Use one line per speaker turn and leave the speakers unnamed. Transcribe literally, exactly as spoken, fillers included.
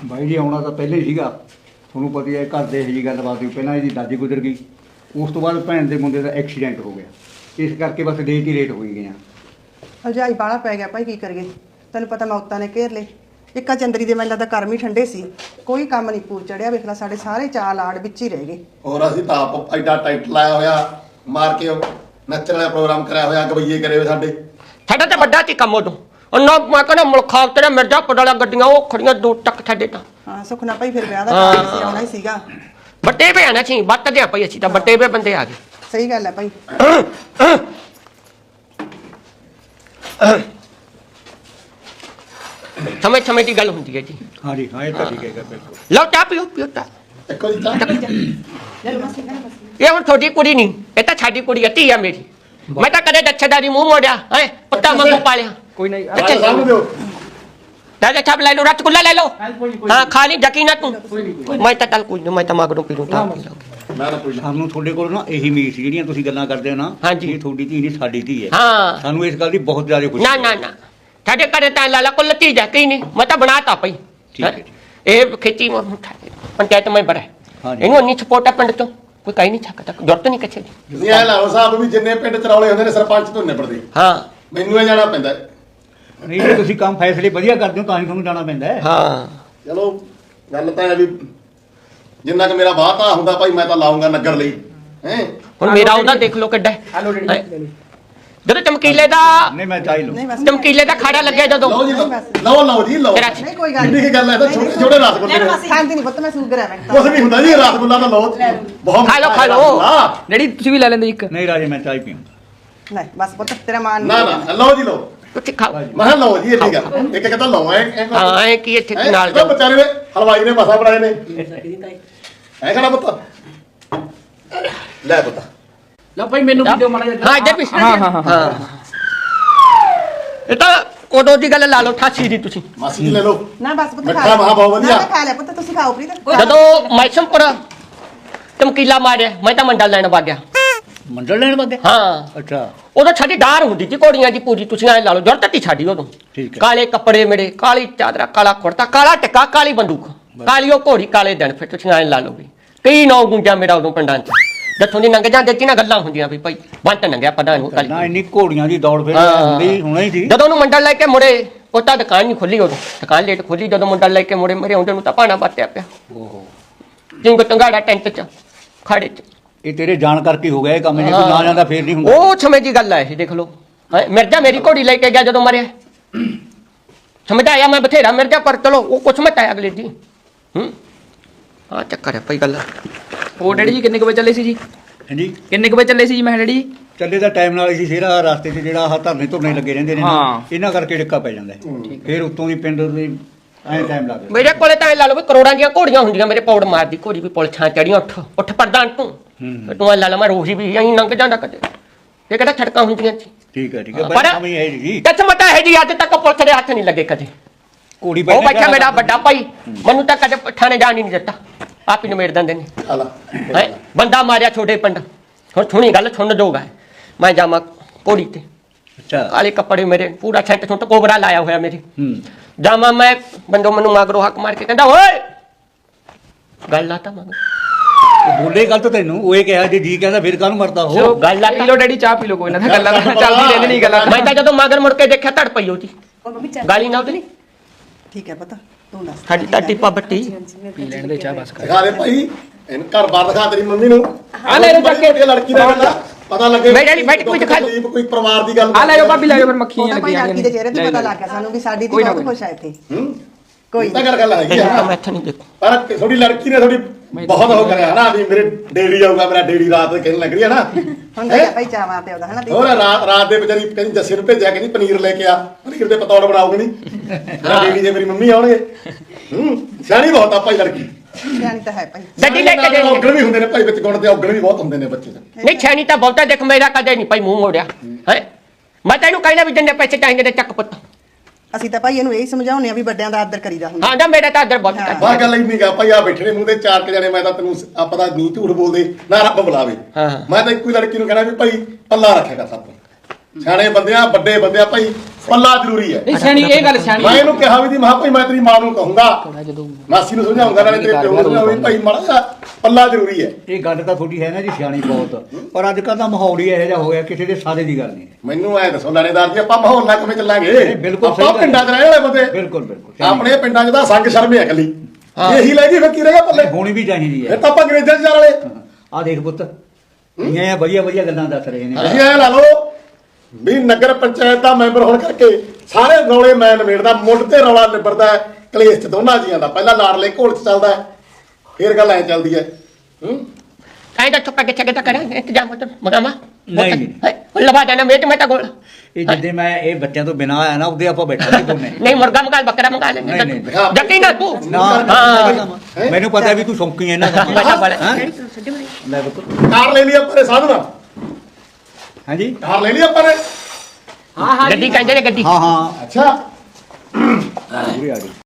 ਬਾਈ ਜੀ ਆਉਣਾ ਤਾਂ ਪਹਿਲੇ ਹੀ ਸੀਗਾ, ਤੁਹਾਨੂੰ ਪਤਾ ਹੀ ਹੈ ਘਰ ਦੇ ਇਹੋ ਜਿਹੀ ਗੱਲਬਾਤ ਹੋਈ। ਪਹਿਲਾਂ ਇਹਦੀ ਦਾਦੀ ਗੁਜ਼ਰ ਗਈ, ਉਸ ਤੋਂ ਬਾਅਦ ਭੈਣ ਦੇ ਮੁੰਡੇ ਦਾ ਐਕਸੀਡੈਂਟ ਹੋ ਗਿਆ, ਇਸ ਕਰਕੇ ਬਸ ਲੇਟ ਹੀ ਲੇਟ ਹੋਈ ਗਈਆਂ।
ਹਲਜਾਈ ਬਾਹਲਾ ਪੈ ਗਿਆ ਭਾਈ, ਕੀ ਕਰੀਏ। ਤੈਨੂੰ ਪਤਾ ਮੌਤਾਂ ਨੇ ਘੇਰ ਲਏ। ਇੱਕਾ ਚੰਦਰੀ ਦੇ ਮੈਨੂੰ ਲੱਗਦਾ ਕਰਮ ਹੀ ਠੰਡੇ ਸੀ, ਕੋਈ ਕੰਮ ਨਹੀਂ ਪੂਰ ਚੜਿਆ। ਵੇਖ ਲਾ ਸਾਡੇ ਸਾਰੇ ਚਾਲ ਆੜ ਵਿੱਚ ਹੀ ਰਹਿ ਗਏ।
ਹੋਰ ਅਸੀਂ ਤਾਂ ਆਪ ਐਡਾ ਟਾਈਟ ਲਾਇਆ ਹੋਇਆ, ਮਾਰ ਕੇ ਨੱਚਣ ਵਾਲਾ ਪ੍ਰੋਗਰਾਮ ਕਰਾਇਆ ਹੋਇਆ, ਗਵਈਏ ਕਰੇ ਹੋਏ ਸਾਡੇ।
ਸਾਡਾ ਤਾਂ ਵੱਡਾ ਸੀ ਕੰਮ ਉਦੋਂ, ਉਹਨਾਂ ਮੈਂ ਕਹਿੰਦਾ ਮੁਲਖਾ ਤੇਰਾ ਮਿਰਜ਼ਾਪੁਰ ਵਾਲਾ ਗੱਡੀਆਂ ਉਹ ਖੜੀਆਂ ਦੋ ਟੱਕ ਸਾਡੇ ਤਾਂ।
ਹਾਂ ਸੁਖਨਾ ਭਾਈ ਫਿਰ ਵਿਆਹ ਦਾ ਕਾਰਨ ਸੀ, ਆਉਣਾ ਹੀ ਸੀਗਾ।
ਵੱਡੇ ਵੇ ਆਣਾ ਸੀ, ਵੱਟਦੇ ਆ ਭਾਈ ਅਸੀਂ ਤਾਂ, ਵੱਡੇ ਵੇ ਬੰਦੇ ਆ ਗਏ।
ਸਹੀ ਗੱਲ ਹੈ ਭਾਈ।
ਸਮੇਂ ਸਮੇਂ ਦੀ ਗੱਲ ਹੁੰਦੀ ਹੈ ਜੀ।
ਹਾਂਜੀ ਹਾਂ ਇਹ ਤਾਂ ਠੀਕ ਹੈਗਾ ਬਿਲਕੁਲ।
ਲਓ ਚਾਹ ਪੀਓ, ਪੀਓ ਚਾਹ।
ਇੱਕੋ ਜੀ ਤਾਂ
ਇਹ ਹੁਣ ਤੁਹਾਡੀ ਕੁੜੀ ਨਹੀਂ, ਇਹ ਤਾਂ ਸਾਡੀ ਕੁੜੀ ਹੈ, ਧੀ ਆ ਮੇਰੀ। ਮੈਂ ਤਾਂ ਕਦੇ ਦੱਛੇਦਾਰੀ ਮੂੰਹ ਮੋੜਿਆ ਹੈ, ਪੁੱਤਾਂ ਵਾਂਗੂ ਪਾਲਿਆ।
ਕੋਈ ਨਹੀਂ
ਅੱਛਾ ਸਾਹਮਣੇ ਦਿਓ।
ਦਾਦਾ ਛਾਪ ਲੈ ਲਓ, ਰਸਗੁੱਲਾ ਲੈ ਲਓ। ਹਾਂ ਖਾ ਲਈ ਯਕੀਨ ਤੂੰ। ਮੈਂ ਤਾਂ ਚੱਲ ਕੋਈ ਨਹੀਂ, ਮੈਂ ਤਾਂ ਮਗਰੋਂ ਪੀ ਲੂੰ ਤਾਂ।
ਮੈਂ ਤਾਂ ਕੋਈ
ਸਾਨੂੰ ਤੁਹਾਡੇ ਕੋਲ ਨਾ ਇਹੀ ਉਮੀਦ ਸੀ, ਜਿਹੜੀਆਂ ਤੁਸੀਂ ਗੱਲਾਂ ਕਰਦੇ ਹੋ ਨਾ,
ਹਾਂਜੀ।
ਇਹ ਤੁਹਾਡੀ ਧੀ ਨਹੀਂ ਸਾਡੀ ਧੀ ਹੈ।
ਹਾਂ
ਸਾਨੂੰ ਇਸ ਗੱਲ ਦੀ ਬਹੁਤ ਜ਼ਿਆਦਾ ਖੁਸ਼ੀ
ਨਾ ਨਾ ਨਾ, ਸਾਡੇ ਘਰੇ ਤਾਂ ਲਾਲਾ ਕੋਲ ਲਤੀ ਜਾ ਕਈ ਨਹੀਂ, ਮੈਂ ਤਾਂ ਬਣਾਤਾ ਪਈ।
ਠੀਕ ਹੈ ਜੀ।
ਇਹ ਖੇਤੀ ਪੰਚਾਇਤ ਮੈਂਬਰ ਹੈ,
ਹਾਂਜੀ।
ਇਹਨੂੰ ਇੰਨੀ ਸਪੋਰਟ ਹੈ ਪਿੰਡ ਤੋਂ, ਕੋਈ ਕਹਿ ਨਹੀਂ ਸਕਦਾ, ਜ਼ਰੂਰਤ ਨਹੀਂ ਕਿਸੇ ਦੀ।
ਤੁਸੀਂ ਐ ਲਾਓ ਸਾਹਿਬ ਵੀ ਜਿੰਨੇ ਪਿੰਡ ਚ ਰੌਲੇ ਹੁੰਦੇ ਨੇ ਸਰਪੰਚ ਤੋਂ ਨਿਬੜਦੇ,
ਹਾਂ
ਮੈਨੂੰ ਇਹ ਜਾਣਾ ਪੈਂਦਾ।
ਨਹੀਂ ਜੇ ਤੁਸੀਂ ਕੰਮ ਫੈਸਲੇ ਵਧੀਆ ਕਰਦੇ ਹੋ ਤਾਂ ਹੀ ਤੁਹਾਨੂੰ ਜਾਣਾ ਪੈਂਦਾ ਹੈ।
ਹਾਂ
ਚਲੋ ਗੱਲ ਤਾਂ ਹੈ ਵੀ ਜਿੰਨਾ ਕਿ ਮੇਰਾ ਵਾਅਦਾ ਹੁੰਦਾ ਭਾਈ ਮੈਂ ਤਾਂ ਲਾਉਂਗਾ ਨਗਰ ਲਈ ਹੈ।
ਹੁਣ ਮੇਰਾ ਉਹਦਾ ਦੇਖ ਲਓ ਕਿੱਡਾ ਹੈ। ਜਦੋਂ ਚਮਕੀਲੇ ਦਾ
ਨਹੀਂ ਮੈਂ ਚਾਹ ਹੀ ਲਊਂ।
ਨਹੀਂ ਬਸ
ਚਮਕੀਲੇ ਦਾ ਖਾੜਾ ਲੱਗਿਆ ਜਦੋਂ,
ਲਓ ਜੀ ਲਓ ਲਓ ਲਓ ਜੀ ਲਓ।
ਤੇਰਾ
ਨਹੀਂ ਕੋਈ ਗੱਲ
ਕਿੰਨੀ ਕੀ ਗੱਲ ਹੈ ਤਾਂ ਛੋਟੇ ਛੋਟੇ ਰਸਗੁੱਲੇ ਨੇ,
ਖਾਂਦੀ ਨਹੀਂ ਪੁੱਤ, ਮੈਂ ਸ਼ੂਗਰ ਹੈ ਮੈਂ
ਕੁਛ ਨਹੀਂ ਹੁੰਦਾ ਜੀ, ਰਸਗੁੱਲਾ ਤਾਂ ਲਓ ਬਹੁਤ
ਖਾ ਲਓ, ਖਾ ਲਓ।
ਡੈਡੀ ਤੁਸੀਂ ਵੀ ਲੈ ਲੈਂਦੇ ਇੱਕ।
ਨਹੀਂ ਰਾਜੇ ਮੈਂ ਚਾਹ ਹੀ ਪੀਊਂ।
ਨਹੀਂ ਬਸ ਪੁੱਤ ਤੇਰਾ ਮਾਨ
ਨਾ ਨਾ ਲਓ ਜੀ ਲਓ।
ਤੁਸੀਂ ਖਾਓ।
ਮੈਂ ਕਿਹਾ ਲਓ ਜੀ ਇਹ ਠੀਕ ਆ, ਇੱਕ ਇੱਕ ਤਾਂ ਲਓ ਐ
ਹਾਂ ਐ ਕੀ ਇੱਥੇ
ਹੈਂ?
ਨਾਲ
ਇਹ
ਜਾਓ।
ਵਿਚਾਰੇ ਨੇ ਹਲਵਾਈ ਨੇ ਮਸਾ ਬਣਾਏ ਨੇ ਐ ਕਹਣਾ ਪੁੱਤ ਲੈ ਪੁੱਤ।
ਲਓ ਭਾਈ ਮੈਨੂੰ ਵੀ ਦਿਓ ਮਾੜਾ ਜਿਹਾ।
ਹਾਂ ਇੱਧਰ ਵੀ।
ਹਾਂ ਹਾਂ ਹਾਂ
ਹਾਂ ਇਹ ਤਾਂ ਉਦੋਂ ਦੀ ਗੱਲ ਲਾ ਲਓ, ਅਠਾਸੀ ਦੀ ਤੁਸੀਂ।
ਮਾਸੀ ਜੀ ਲੈ ਲਓ।
ਨਾ ਬਸ ਪੁੱਤ
ਮਿੱਠਾ ਮਹਾ ਬਹੁਤ ਵਧੀਆ।
ਨਾ ਮੈਂ ਖਾ ਲਿਆ ਪੁੱਤ, ਤੁਸੀਂ ਖਾਓ ਪ੍ਰੀਤ।
ਜਦੋਂ ਮੈਸਮਪੁਰ ਚਮਕੀਲਾ ਮਾਰਿਆ, ਮੈਂ ਤਾਂ ਮੰਡਲ ਲੈਣ ਵਗ ਗਿਆ।
ਮੰਡਲ ਲੈਣ ਵਗੇ?
ਹਾਂ
ਅੱਛਾ
ਉਦੋਂ ਸਾਡੀ ਡਾਰ ਹੁੰਦੀ ਸੀ ਘੋੜੀਆਂ ਦੀ ਪੂਰੀ, ਤੁਸੀਂ ਐ ਲਾ ਲਓ ਜੁਰਤ ਤੀ ਸਾਡੀ ਉਦੋਂ।
ਠੀਕ ਹੈ।
ਕਾਲੇ ਕੱਪੜੇ ਮੇਰੇ, ਕਾਲੀ ਚਾਦਰਾ, ਕਾਲਾ ਕੁੜਤਾ, ਕਾਲਾ ਟਿੱਕਾ, ਕਾਲੀ ਬੰਦੂਕ, ਕਾਲੀ ਉਹ ਘੋੜੀ, ਕਾਲੇ ਦਿਨ। ਫਿਰ ਤੁਸੀਂ ਐ ਲਾ ਲਓ ਵੀ ਕਈ ਨੌ ਗੁੰਜਾ ਮੇਰਾ ਉਦੋਂ ਪਿੰਡਾਂ 'ਚ। ਜਿੱਥੋਂ ਦੀ ਲੰਘ ਜਾਂਦੇ ਸੀ ਨਾ ਗੱਲਾਂ ਹੁੰਦੀਆਂ ਵੀ ਭਾਈ ਬੰਤ ਲੰਘਿਆ ਪਤਾ ਨਹੀਂ।
ਨਾ ਇੰਨੀ ਘੋੜੀਆਂ ਦੀ ਦੌੜ ਫਿਰ
ਹਾਂ।
ਹੁੰਦੀ ਹੋਣਾ ਹੀ ਸੀ।
ਜਦੋਂ ਉਹਨੂੰ ਮੰਡਲ ਲੈ ਕੇ ਮੁੜੇ, ਉਹ ਤਾਂ ਦੁਕਾਨ ਨਹੀਂ ਖੁੱਲੀ ਉਦੋਂ, ਦੁਕਾਨ ਲੇਟ ਖੁੱਲੀ। ਜਦੋਂ ਮੰਡਲ ਲੈ ਕੇ ਮੁੜੇ, ਮੇਰੇ ਆਉਂਦੇ ਨੂੰ ਤਾਂ ਭਾਣਾ ਬਾਤਿਆ ਪਿਆ।
ਓਹੋ
ਜਿੰਗ ਤੰਗਾੜਾ ਟੈਂਟ 'ਚ ਖਾੜੇ 'ਚ।
ਇਹ ਤੇਰੇ ਜਾਣ ਕਰਕੇ ਹੋ ਗਿਆ ਇਹ ਕੰਮ, ਜੇ ਤੂੰ ਨਾ ਜਾਂਦਾ ਫੇਰ ਨਹੀਂ ਹੁੰਦਾ।
ਉਹ ਸਮੇਂ ਦੀ ਗੱਲ ਹੈ ਇਹ, ਦੇਖ ਲਓ। ਹੈਂ, ਮਿਰਜ਼ਾ ਮੇਰੀ ਘੋੜੀ ਲੈ ਕੇ ਗਿਆ ਜਦੋਂ ਮਰਿਆ, ਸਮਝ ਆਇਆ ਮੈਂ ਬਥੇਰਾ ਮਿਰਜ਼ਾ, ਪਰ ਚਲੋ ਉਹ ਕੁਛ ਮਤ ਆਇਆ ਅਗਲੇ ਦੀ। ਹੂੰ ਹਾਂ ਚੱਕਰ ਹੈ ਪਈ ਗੱਲ।
ਉਹ ਡੈਡੀ ਜੀ ਕਿੰਨੇ ਕੁ ਵਜੇ ਚੱਲੇ ਸੀ ਜੀ?
ਹਾਂਜੀ
ਕਿੰਨੇ ਕੁ ਵਜੇ ਚੱਲੇ ਸੀ ਜੀ? ਮੈਂ ਡੈਡੀ ਜੀ
ਚੱਲੇ ਦਾ ਟਾਈਮ ਨਾਲ ਸੀ ਸੇਰਾ ਰਸਤੇ 'ਚ ਜਿਹੜਾ ਆਹ ਧਰਨੇ ਧੁਰਨੇ ਲੱਗੇ ਰਹਿੰਦੇ ਨੇ ਨਾ,
ਹਾਂ।
ਇਹਨਾਂ ਕਰਕੇ ਡਿੱਕਾ ਪੈ ਜਾਂਦਾ ਹੈ। ਫਿਰ ਉੱਤੋਂ ਦੀ ਪਿੰਡ ਦੇ ਐਂ ਟਾਈਮ ਲੱਗਦਾ।
ਮੇਰੇ ਕੋਲੇ ਤਾਂ ਇਹ ਲਾ ਲਓ ਵੀ ਕਰੋੜਾਂ ਦੀਆਂ ਘੋੜੀਆਂ ਹੁੰਦੀਆਂ, ਮੇਰੇ ਪੌੜ ਮਾਰਦੀ ਘੋੜੀ ਵੀ ਪੁਲ ਛਾਂ ਚੜੀਆਂ। ਉੱਠ ਉੱਠ ਪ੍ਰਧਾਨ ਤੂੰ
ਹੂੰ।
ਤੂੰ ਐ ਲਾ ਲਾ ਮੈਂ ਰੋਹੀ ਵੀ ਐਂ ਲੰਘ ਜਾਂਦਾ ਕਦੇ। ਇਹ ਕਿਹੜਾ ਛੜਕਾਂ ਹੁੰਦੀਆਂ ਸੀ।
ਠੀਕ ਹੈ ਠੀਕ ਹੈ
ਪਰ
ਬੜੀ ਸਮਝ ਹੈ ਜੀ।
ਕਿੱਥ ਮਤਾ ਹੈ ਜੀ, ਅੱਜ ਤੱਕ ਪੁਲਿਸ ਦੇ ਹੱਥ ਨਹੀਂ ਲੱਗੇ ਕਦੇ।
ਘੋੜੀ
ਉਹ
ਬੈਠਾ
ਬੱਚਾ ਮੇਰਾ ਵੱਡਾ ਭਾਈ, ਮੈਨੂੰ ਤਾਂ ਕਦੇ ਥਾਣੇ ਜਾਣ ਹੀ ਨਹੀਂ ਦਿੱਤਾ, ਆਪ ਹੀ ਨਿਮੇੜ ਦਿੰਦੇ ਨੇ।
ਆਲਾ
ਹੈਂ ਬੰਦਾ ਮਾਰਿਆ ਛੋਟੇ ਪਿੰਡ। ਹੁਣ ਸੁਣੀ ਗੱਲ ਸੁਣ ਜੋਗਾ, ਮੈਂ ਜਾਵਾਂ ਘੋੜੀ ਤੇ,
ਅੱਛਾ
ਕਾਲੇ ਕੱਪੜੇ ਮੇਰੇ, ਪੂਰਾ ਛੱਟ ਛੁੱਟ ਕੋਬਰਾ ਲਾਇਆ ਹੋਇਆ ਮੇਰੇ।
ਹੂੰ
ਜਾਵਾਂ ਮੈਂ, ਬੰਦੋ ਮੈਨੂੰ ਮਗਰੋਂ ਹੱਕ ਮਾਰ ਕੇ ਕਹਿੰਦਾ ਓਏ ਗੱਲ ਲਾਤਾ ਮਗਰ।
ਉਹ ਬੋਲੇ ਗੱਲ ਤਾਂ ਤੈਨੂੰ ਉਹ ਇਹ ਕਿਹਾ ਜੇ ਜੀ ਕਹਿੰਦਾ ਫਿਰ ਕਾਹਨੂੰ ਮਰਦਾ
ਚਲੋ
ਹੋ।
ਗੱਲ
ਪੀ ਲਓ ਡੈਡੀ, ਚਾਹ ਪੀ ਲਓ, ਕੋਈ ਨਾ ਗੱਲਾਂ ਤਾਂ ਚੱਲਦੀ ਰਹਿੰਦੀ ਨਹੀਂ ਗੱਲਾਂ।
ਮੈਂ ਤਾਂ ਜਦੋਂ ਮਗਰ ਮੁੜ ਕੇ ਦੇਖਿਆ, ਧੜ ਪਈ ਉਹਦੀ ਗਾਲੀ ਨਾ ਉਹਦੀ।
ਠੀਕ ਹੈ ਪੁੱਤ ਤੂੰ ਦੱਸ।
ਸਾਡੀ ਤਾਂ ਟਿੱਪਾ ਬੱਟੀ।
ਪੀ ਲੈਣ ਦੇ ਚਾਹ ਬਸ ਕਰ।
ਦਿਖਾ ਦੇ ਭਾਈ ਇਹਨੂੰ ਘਰ ਬਾਰ ਦਿਖਾ ਤੇਰੀ ਮੰਮੀ ਨੂੰ।
ਆ ਲੈ ਲਓ ਚੱਕ ਕੇ।
ਇਹ ਲੜਕੀ ਦਾ ਗੱਲ ਪਤਾ ਲੱਗੇ।
ਮੈਂ ਡੈਡੀ ਬੈਠ ਕੋਈ ਦਿਖਾ ਦਿਓ।
ਕੋਈ ਪਰਿਵਾਰ ਦੀ ਗੱਲ
ਆ ਲੈ ਜਾਓ ਭਾਬੀ, ਲੈ ਜਾਓ ਫਿਰ
ਉਹ
ਮੱਖੀਆਂ
ਤਾਂ ਭਾਈ
ਲੱਗੀਆਂ
ਲੜਕੀ ਦੇ ਚਿਹਰੇ ਤੇ ਪਤਾ ਲੱਗ ਗਿਆ ਸਾਨੂੰ ਵੀ ਸਾਡੀ ਦੀ
ਕੋਈ ਨਾ,
ਬਹੁਤ
ਕੋਈ
ਖੁਸ਼ ਆ ਇੱਥੇ।
ਹੂੰ
ਕੋਈ
ਤਾਂ ਗੱਲ ਗੱਲ ਹੈਗੀ
ਤਾਂ
ਆ।
ਮੈਂ ਇੱਥੇ ਨਹੀਂ ਦੇਖੂ।
ਪਰ ਥੋੜੀ ਲੜਕੀ ਨੇ ਥੋੜੀ ਬਹੁਤ ਹੋ ਕਰਿਆ ਨਾ ਵੀ ਮੇਰੇ ਡੇੜੀ ਆਊਗਾ, ਮੇਰਾ ਡੇੜੀ ਰਾਤ ਦੇ ਕਹਿਣ ਲੱਗ ਰਹੀ ਹੈ ਨਾ।
ਹੁਣ ਤਾਂ ਭਾਈ ਚਾਹ ਮਾਰਦੇ ਉਹਦਾ ਹਨਾ ਦੀ।
ਹੋਰ ਰਾਤ ਰਾਤ ਦੇ ਵਿਚਾਰੀ ਕਹਿੰਦੀ ਜੱਸੀ ਨੂੰ ਭੇਜਿਆ, ਕਹਿੰਦੀ ਪਨੀਰ ਲੈ ਕੇ ਆ, ਪਨੀਰ ਦੇ ਪਤੌੜ ਬਣਾਉਗੇ ਨਹੀਂ ਮੇਰਾ ਡੇੜੀ ਜੇ ਮੇਰੀ ਮੰਮੀ ਆਉਣਗੇ। ਹੂੰ ਸਿਆਣੀ ਬਹੁਤ ਆ ਭਾਈ ਲੜਕੀ।
ਸਿਆਣੀ ਤਾਂ ਹੈ ਭਾਈ।
ਗੱਡੀ ਲੈ ਕੇ ਜਾਈਏ।
ਔਗਣ ਵੀ ਹੁੰਦੇ ਨੇ ਭਾਈ ਵਿੱਚ, ਗੁਣ ਤੇ ਔਗਣ ਵੀ ਬਹੁਤ ਹੁੰਦੇ ਨੇ ਬੱਚੇ ਦੇ।
ਨਹੀਂ ਛੈਣੀ ਤਾਂ ਬਹੁਤਾ ਦੇਖ, ਮੇਰਾ ਕਦੇ ਨਹੀਂ ਭਾਈ ਮੂੰਹ ਮੋੜਿਆ ਹੈ। ਮੈਂ ਤੈਨੂੰ ਕਹਿੰਦਾ ਵੀ ਜਿੰਨੇ ਪੈਸੇ ਚਾਹੀਦੇ ਨੇ ਚੱਕ ਪੁੱਤ।
ਅਸੀਂ ਤਾਂ ਭਾਈ ਇਹਨੂੰ ਇਹੀ ਸਮਝਾਉਂਦੇ ਆ ਵੀ ਵੱਡਿਆਂ ਦਾ ਆਦਰ ਕਰੀਦਾ ਹੁੰਦਾ।
ਹਾਂ ਨਾ ਮੇਰਾ ਤਾਂ ਆਦਰ ਬਹੁਤ ਹੈ।
ਬਾਹਰ ਗੱਲ ਇੰਨੀ ਗਾ ਭਾਈ ਆ ਬੈਠੇ ਨੇ ਮੂੰਹ ਤੇ ਚਾਰ ਕੇ ਜਾਣੇ, ਮੈਂ ਤਾਂ ਤੈਨੂੰ ਆਪਾਂ ਦਾ ਨਹੀਂ ਝੂਠ ਬੋਲਦੇ ਨਾ ਰੱਬ ਬੁਲਾਵੇ।
ਹਾਂ।
ਮੈਂ ਤਾਂ ਇੱਕੋ ਹੀ ਲੜਕੀ ਨੂੰ ਕਹਿਣਾ ਵੀ ਭਾਈ ਪੱਲਾ ਰੱਖਿਆ ਕਰ ਸਭ ਤੋਂ। ਸਿਆਣੇ ਬੰਦਿਆਂ ਵੱਡੇ ਬੰਦਿਆਂ ਭਾਈ ਪੱਲਾ ਜ਼ਰੂਰੀ ਹੈ।
ਨਹੀਂ ਸਿਆਣੀ ਇਹ ਗੱਲ ਸਿਆਣੀ
ਮੈਂ ਇਹਨੂੰ ਕਿਹਾ ਵੀ ਦੀ ਮਾਂ ਭਾਈ ਮੈਂ ਤੇਰੀ ਮਾਂ ਨੂੰ ਕਹੂੰਗਾ,
ਥੋੜਾ ਜਦੋਂ
ਮਾਸੀ ਨੂੰ ਸਮਝਾਉਂਗਾ, ਨਾਲੇ ਤੇਰੇ ਪਿਓ ਨੂੰ ਸਮਝਾਉਂਗਾ ਵੀ ਭਾਈ ਮਾੜਾ ਜਿਹਾ ਪੱਲਾ ਜ਼ਰੂਰੀ ਹੈ।
ਇਹ ਗੱਲ ਤਾਂ ਤੁਹਾਡੀ ਹੈ ਨਾ ਜੀ ਸਿਆਣੀ ਬਹੁਤ, ਪਰ ਅੱਜ ਕੱਲ੍ਹ ਦਾ ਮਾਹੌਲ ਹੀ ਇਹੋ ਜਿਹਾ ਹੋ ਗਿਆ, ਕਿਸੇ ਦੇ ਸਾਰੇ ਦੀ ਗੱਲ ਨਹੀਂ ਹੈ।
ਮੈਨੂੰ ਐ ਦੱਸੋ ਲਾਣੇਦਾਰ ਜੀ, ਆਪਾਂ ਮਾਹੌਲ ਨਾਲ ਕਿਵੇਂ ਚੱਲਾਂਗੇ?
ਨਹੀਂ, ਬਿਲਕੁਲ ਸਹੀ
ਆਪਾਂ
ਗੱਲ
ਪਿੰਡਾਂ 'ਚ ਰਹਿਣ ਵਾਲੇ ਬੰਦੇ,
ਬਿਲਕੁਲ ਬਿਲਕੁਲ
ਆਪਣੇ ਪਿੰਡਾਂ 'ਚ ਤਾਂ ਸੰਗ ਸ਼ਰਮ ਹੈ ਇਕੱਲੀ,
ਹਾਂ।
ਇਹੀ ਲੈ ਗਈ ਫਿਰ ਕੀ ਰਹੇਗਾ ਪੱਲੇ?
ਹੋਣੀ ਵੀ ਚਾਹੀਦੀ
ਫਿਰ
ਹੈ।
ਤਾਂ ਆਪਾਂ ਅੰਗਰੇਜ਼ਾਂ 'ਚ ਜਾਣ ਵਾਲੇ।
ਆ ਦੇਖ ਪੁੱਤ, ਇਹ ਵਧੀਆ ਵਧੀਆ ਗੱਲਾਂ ਦੱਸ ਰਹੇ ਨੇ।
ਅਸੀਂ ਐ ਲਾ ਲਓ ਵੀ ਨਗਰ ਪੰਚਾਇਤ ਦਾ ਮੈਂਬਰ ਹੋਣ ਕਰਕੇ ਸਾਰੇ ਰੌਲੇ ਮੈਂ ਨਿਬੇੜਦਾ, ਮੁੱਢ ਤੇ ਰੌਲਾ ਨਿਬੜਦਾ ਹੈ ਕਲੇਸ਼ 'ਚ ਦੋਨਾਂ ਜੀਆਂ ਦਾ। ਪਹਿਲਾਂ ਲਾਡਲੇ ਘੋਲ 'ਚ ਚੱਲਦਾ ਹੈ, ਫਿਰ ਗੱਲ ਐ ਚੱਲਦੀ ਹੈ। ਹੂੰ
ਐਂ ਤਾਂ ਚੁੱਪ ਕੇ ਛੱਗੇ ਤਾਂ ਕਰਾਂ ਇੰਤਜ਼ਾਮ ਉਧਰ ਮਗਾਵਾ
ਨਹੀਂ, ਨਹੀਂ।
ਲਵਾ ਦੇਣਾ ਮੇਟ ਮੈਂ ਤਾਂ ਗੋਲ
ਇਹ ਜਿੱਦੇ ਮੈਂ ਇਹ ਬੱਚਿਆਂ ਤੋਂ ਬਿਨਾਂ ਆਇਆ ਨਾ, ਉਹਦੇ ਆਪਾਂ ਬੈਠਾਂਗੇ ਦੋਨੇ।
ਨਹੀਂ ਮੁਰਗਾ ਮੰਗਾ ਬੱਕਰਾ ਮੰਗਾ ਲੈਂਦੇ
ਨਹੀਂ, ਨਹੀਂ।
ਜੱਕੀ ਨਾ ਤੂੰ
ਨਾ
ਹਾਂ।
ਮੈਨੂੰ ਪਤਾ ਵੀ ਤੂੰ ਸ਼ੌਂਕੀ ਹੈ ਇਹਨਾਂ ਦਾ।
ਬੜਾ ਬੜਾ
ਹੈਂ? ਲੈ ਪੁੱਤ,
ਕਾਰ ਲੈ ਲਈ ਆਪਾਂ ਨੇ ਸਾਧੂ ਨਾਲ,
ਹਾਂਜੀ
ਕਾਰ ਲੈ ਲਈ ਆਪਾਂ ਨੇ।
ਹਾਂ ਹਾਂ
ਗੱਡੀ ਕਹਿੰਦੇ ਨੇ ਗੱਡੀ
ਹਾਂ ਹਾਂ
ਅੱਛਾ
ਪੂਰੇ ਆ ਗਏ।